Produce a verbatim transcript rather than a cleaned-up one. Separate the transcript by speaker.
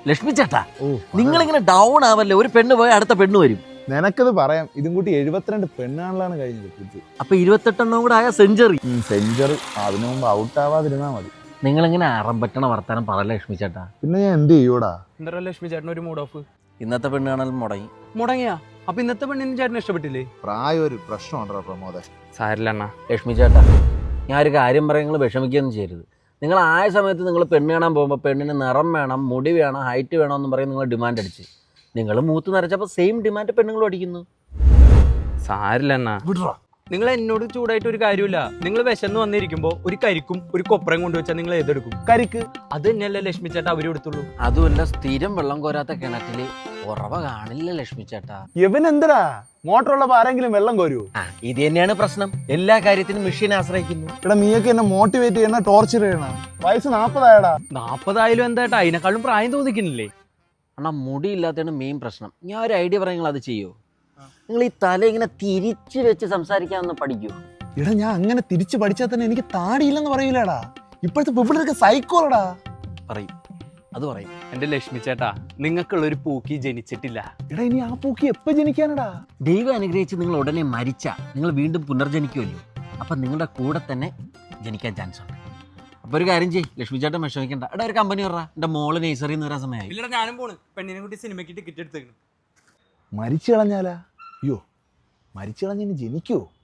Speaker 1: ലക്ഷ്മി ചേട്ടാ, നിങ്ങളിങ്ങനെ ഡൗൺ ആവല്ലേ, ഒരു പെണ്ണ് പോയി അടുത്ത പെണ്ണ് വരും.
Speaker 2: നിനക്കത് പറയാം, ഇതും കൂട്ടി എഴുപത്തിരണ്ട് പെണ്ണാണല്ലാണ് കഴിഞ്ഞത്.
Speaker 1: അപ്പൊ ഇരുപത്തെട്ടെണ്ണം കൂടെ ആയ സെഞ്ചുറി.
Speaker 2: സെഞ്ചുറി അതിനു മുമ്പ് ഔട്ട് ആവാതിരുന്നാ മതി.
Speaker 1: നിങ്ങളിങ്ങനെ അറം പറ്റണ വർത്താനം പറയല്ലേ ലക്ഷ്മി ചേട്ടാ.
Speaker 2: പിന്നെ ഞാൻ എന്ത് ചെയ്യൂടാ?
Speaker 3: എന്താ ലക്ഷ്മി ചേട്ടൻ ഒരു മൂഡ് ഓഫ്?
Speaker 1: ഇന്നത്തെ പെണ്ണ് കാണൽ മുടങ്ങി.
Speaker 3: മുടങ്ങിയാ? അപ്പൊ ഇന്നത്തെ പെണ്ണിന് ചേട്ടന് ഇഷ്ടപ്പെട്ടില്ലേ?
Speaker 2: പ്രായം ഒരു പ്രശ്നമുണ്ടോ പ്രമോദ?
Speaker 3: സാരില്ല
Speaker 1: ലക്ഷ്മി ചേട്ടാ, ഞാൻ ഒരു കാര്യം പറയാൻ നിങ്ങൾ വിഷമിക്കുകയൊന്നും ചെയ്യരുത്. നിങ്ങൾ ആയ സമയത്ത് നിങ്ങൾ പെണ്ണ് കാണാൻ പോകുമ്പോൾ പെണ്ണിന് നിറം വേണം, മുടി വേണം, ഹൈറ്റ് വേണം എന്ന് പറയും നിങ്ങൾ ഡിമാൻഡ് അടിച്ച്. നിങ്ങൾ മൂത്ത് നിറച്ചപ്പോൾ സെയിം ഡിമാൻഡ് പെണ്ണുങ്ങളും അടിക്കുന്നു.
Speaker 3: സാരില്ല
Speaker 1: വിടറാ.
Speaker 3: നിങ്ങൾ എന്നോട് ചൂടായിട്ട് ഒരു കാര്യമില്ല. നിങ്ങൾ വിശന്ന് വന്നിരിക്കുമ്പോ ഒരു കരിക്കും ഒരു കൊപ്രയും കൊണ്ടുവച്ചാൽ നിങ്ങൾ ഏതെടുക്കും?
Speaker 2: കരിക്ക്.
Speaker 3: അത് തന്നെയല്ലേ ലക്ഷ്മി ചേട്ടാ അവരും എടുത്തുള്ളൂ.
Speaker 1: അതുമല്ല, സ്ഥിരം വെള്ളം കോരാത്ത കിണറ്റില് ഉറവ കാണില്ല ലക്ഷ്മി ചേട്ടാ.
Speaker 2: ഇവൻ എന്തിനാ മോട്ടറുള്ളപ്പോ ആരെങ്കിലും വെള്ളം കോരുവോ?
Speaker 1: ആ, ഇത് തന്നെയാണ് പ്രശ്നം. എല്ലാ കാര്യത്തിനും മെഷീൻ ആശ്രയിക്കുന്നു.
Speaker 2: ഇവിടെ നീയൊക്കെ എന്നെ മോട്ടിവേറ്റ് ചെയ്യണ, ടോർച്ചർ ചെയ്യണ. വയസ്സ് നാപ്പതായടാ.
Speaker 3: നാപ്പതായാലും എന്താ അതിനെക്കാളും പ്രായം തോന്നിക്കുന്നില്ലേ?
Speaker 1: അണ്ണാ, മുടി ഇല്ലാത്തതാണ് മെയിൻ പ്രശ്നം. ഞാൻ ഒരു ഐഡിയ പറയാം, നിങ്ങൾ അത് ചെയ്യോ? നിങ്ങൾ ഈ തല ഇങ്ങനെ തിരിച്ചു വെച്ച് സംസാരിക്കാമെന്ന് പഠിക്കൂ.
Speaker 2: എടാ, ഞാൻ അങ്ങനെ തിരിച്ചു പഠിച്ചാൽ തന്നെ എനിക്ക് താടിയില്ലെന്ന് പറയൂലടാ. ഇപ്പോഴത്തെ പിള്ളേരൊക്കെ സൈക്കോളടാ.
Speaker 1: പറയും, അത് പറയും.
Speaker 3: എന്റെ ലക്ഷ്മി ചേട്ടാ, നിങ്ങൾക്കുള്ള ഒരു പൂക്കി ജനിച്ചിട്ടില്ല.
Speaker 2: എടാ, ഇനി ആ പൂക്കി എപ്പോ ജനിക്കാനടാ?
Speaker 1: ദൈവം അനുഗ്രഹിച്ച് നിങ്ങൾ ഉടനെ മരിച്ച നിങ്ങൾ വീണ്ടും പുനർജനിക്കുമല്ലോ. അപ്പം നിങ്ങളുടെ കൂടെ തന്നെ ജനിക്കാൻ ചാൻസ് ഉണ്ട്. അപ്പോൾ ഒരു കാര്യം ചെയ്യ്, ലക്ഷ്മി ചേട്ടൻ വിഷമിക്കണ്ട. എടാ, ഒരു കമ്പനി പറ, എൻ്റെ മോള് നേഴ്സറിയിൽ നിന്ന് വരാൻ സമയമായി.
Speaker 3: ഇല്ലടാ, ഞാനും പോണ്. പെണ്ണിനെ കൂട്ടി സിനിമയ്ക്ക് ടിക്കറ്റ് എടുത്തേക്കുന്നു.
Speaker 2: മരിച്ചു കളഞ്ഞാലാ? അയ്യോ, മരിച്ചു കളഞ്ഞ ജനിക്കുവോ?